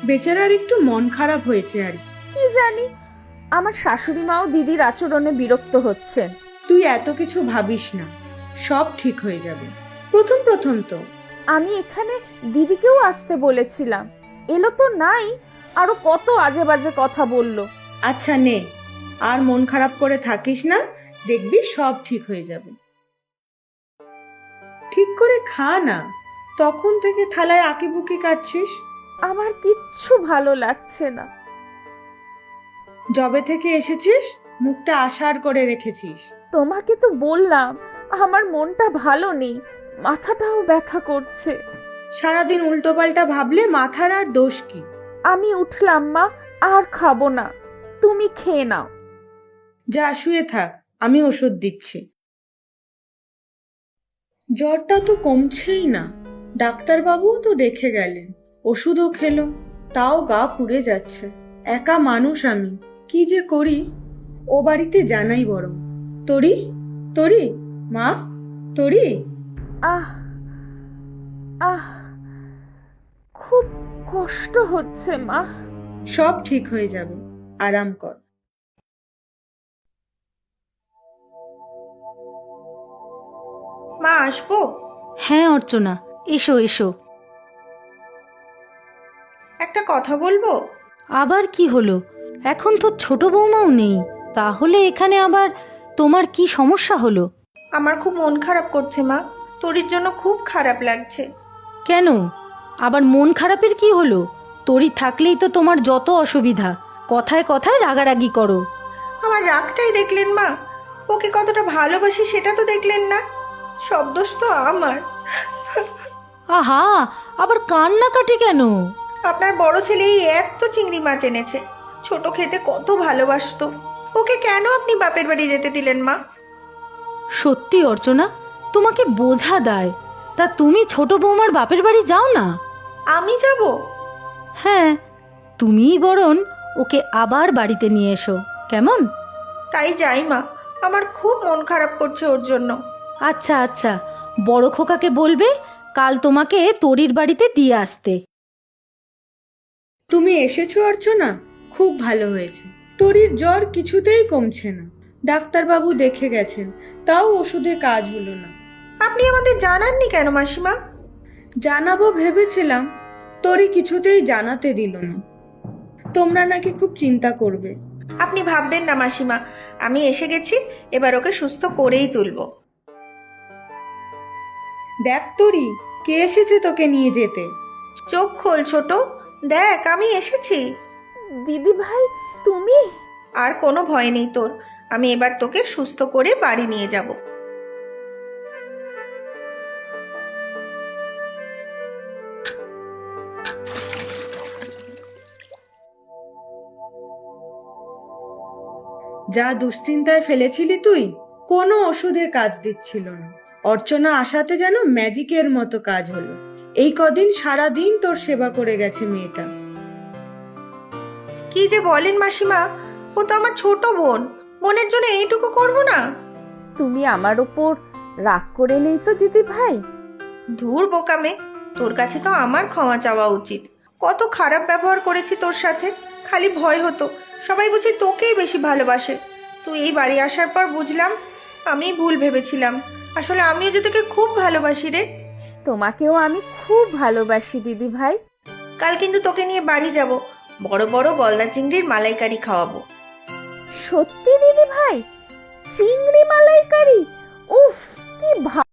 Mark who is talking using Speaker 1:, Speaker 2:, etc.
Speaker 1: বেচারার একটু মন খারাপ হয়েছে আর
Speaker 2: কি জানি, আমার শাশুড়ি মাও দিদির আচরণে বিরক্ত হচ্ছেন।
Speaker 1: তুই এত কিছু ভাবিস না, সব ঠিক হয়ে যাবে। প্রথম প্রথম তো।
Speaker 2: আমি এখানে দিদিকেও আসতে বলেছিলাম, এলো তো নাই, আরো কত আজে বাজে কথা বললো।
Speaker 1: আচ্ছা নে, আর মন খারাপ করে থাকিস না, দেখবি সব ঠিক হয়ে যাবে। ঠিক করে খা না, তখন থেকে থালায় আঁকিবুকি কাটছিস।
Speaker 2: আমার কিচ্ছু ভালো লাগছে না।
Speaker 1: যবে থেকে এসেছিস মুখটা আশার করে রেখেছিস।
Speaker 2: তোমাকে তো বললাম আমার মনটা ভালো নেই, মাথাটাও ব্যথা করছে।
Speaker 1: সারাদিন উল্টোপাল্টা ভাবলে মাথার আর দোষ কি?
Speaker 2: আমি উঠলাম মা, আর খাবো না, তুমি খেয়ে নাও।
Speaker 1: যা শুয়ে থাক, আমি ওষুধ দিচ্ছি। জ্বরটা তো কমছেই না, ডাক্তারবাবুও তো দেখে গেলেন, ওষুধও খেলো, তাও গা পুড়ে যাচ্ছে। একা মানুষ আমি, কি যে করি। ও বাড়িতে জানাই বরং। তরি, তরি, মা, তরি।
Speaker 2: আহ আহ খুব কষ্ট হচ্ছে মা।
Speaker 1: সব ঠিক হয়ে যাবে, আরাম কর।
Speaker 3: মা, আসবো?
Speaker 4: হ্যাঁ অর্চনা, এসো এসো।
Speaker 3: একটা কথা বলবো।
Speaker 4: আবার কি হলো? এখন তো ছোট বৌমাও নেই, তাহলে এখানে আবার তোমার কি সমস্যা হলো?
Speaker 3: আমার খুব মন খারাপ করছে মা, তোরির জন্য খুব খারাপ লাগছে।
Speaker 4: কেন? আবার মন খারাপের কি হলো? তরি থাকলেই তো তোমার যত অসুবিধা, কথায় কথায় রাগারাগি করো।
Speaker 3: আমার রাগটাই দেখলেন মা, ওকে কতটা ভালোবাসি সেটা তো দেখলেন না। সব দোষ তো আমার।
Speaker 4: আহা, আবার কান্নাকাটি কেন?
Speaker 3: আপনার বড় ছেলে এই এত চিংড়ি মাছ এনেছে, ছোট খেতে কত ভালোবাসতো, ওকে কেন আপনি বাপের বাড়ি যেতে দিলেন মা?
Speaker 4: সত্যি অর্চনা, তোমাকে বোঝা দায়। তা তুমি ছোট বৌমার বাপের বাড়ি যাও না।
Speaker 3: আমি যাব?
Speaker 4: হ্যাঁ, তুমিই বরং ওকে আবার বাড়িতে নিয়ে এসো, কেমন?
Speaker 3: তাই যাই মা, আমার খুব মন খারাপ করছে ওর জন্য।
Speaker 4: আচ্ছা আচ্ছা, বড় খোকাকে বলবে কাল তোমাকে তরির বাড়িতে দিয়ে আসতে।
Speaker 1: তুমি এসেছো অর্চনা, খুব ভালো হয়েছে। তরির জ্বর কিছুতেই কমছে না, ডাক্তারবাবু দেখে গেছেন, তাও ওষুধে কাজ হলো না।
Speaker 3: আপনি আমাদের জানাননি কেন মাসিমা?
Speaker 1: জানাবো ভেবেছিলাম, তরি কিছুতেই জানাতে দিল না। তোমরা নাকি খুব চিন্তা করবে।
Speaker 3: আপনি ভাববেন না মাসিমা, আমি এসে গেছি, এবার ওকে সুস্থ করেই তুলবো।
Speaker 1: দেখ তরি, কে এসেছে তোকে নিয়ে যেতে।
Speaker 3: চোখ খোল ছোট, দেখ আমি এসেছি।
Speaker 2: দিদি ভাই, তুমি?
Speaker 3: আর কোনো ভয় নেই তোর, আমি এবার তোকে সুস্থ করে বাড়ি নিয়ে যাব।
Speaker 1: যা দুশ্চিন্তায় ফেলেছিলি তুই, কোনো ওষুধে কাজ দিচ্ছিল না। অর্চনা আসাতে যেন ম্যাজিকের মতো কাজ হলো। এই কদিন সারা দিন তোর সেবা করে গেছে মেয়েটা।
Speaker 3: কি যে বলেন মাসিমা, ও তো আমার ছোট বোন, বোনের জন্য এইটুকু করব না?
Speaker 2: তুমি আমার ওপর রাগ করে নেই তো দিদি ভাই?
Speaker 3: ধুর বোকামে, তোর কাছে তো আমার ক্ষমা চাওয়া উচিত। কত খারাপ ব্যবহার করেছি তোর সাথে, খালি ভয় হতো সবাই বুঝি তোকেই বেশি ভালোবাসে। তুই এই বাড়ি আসার পর বুঝলাম আমি ভুল ভেবেছিলাম, আসলে আমিও যে তোকে খুব ভালোবাসি রে।
Speaker 2: তোমাকেও আমি খুব ভালোবাসি দিদি ভাই।
Speaker 3: কাল কিন্তু তোকে নিয়ে বাড়ি যাব, বড় বড় গলদা চিংড়ির মালাইকারি খাওয়াবো।
Speaker 2: সত্যি দিদি ভাই? চিংড়ি মালাইকারি? উফ, কি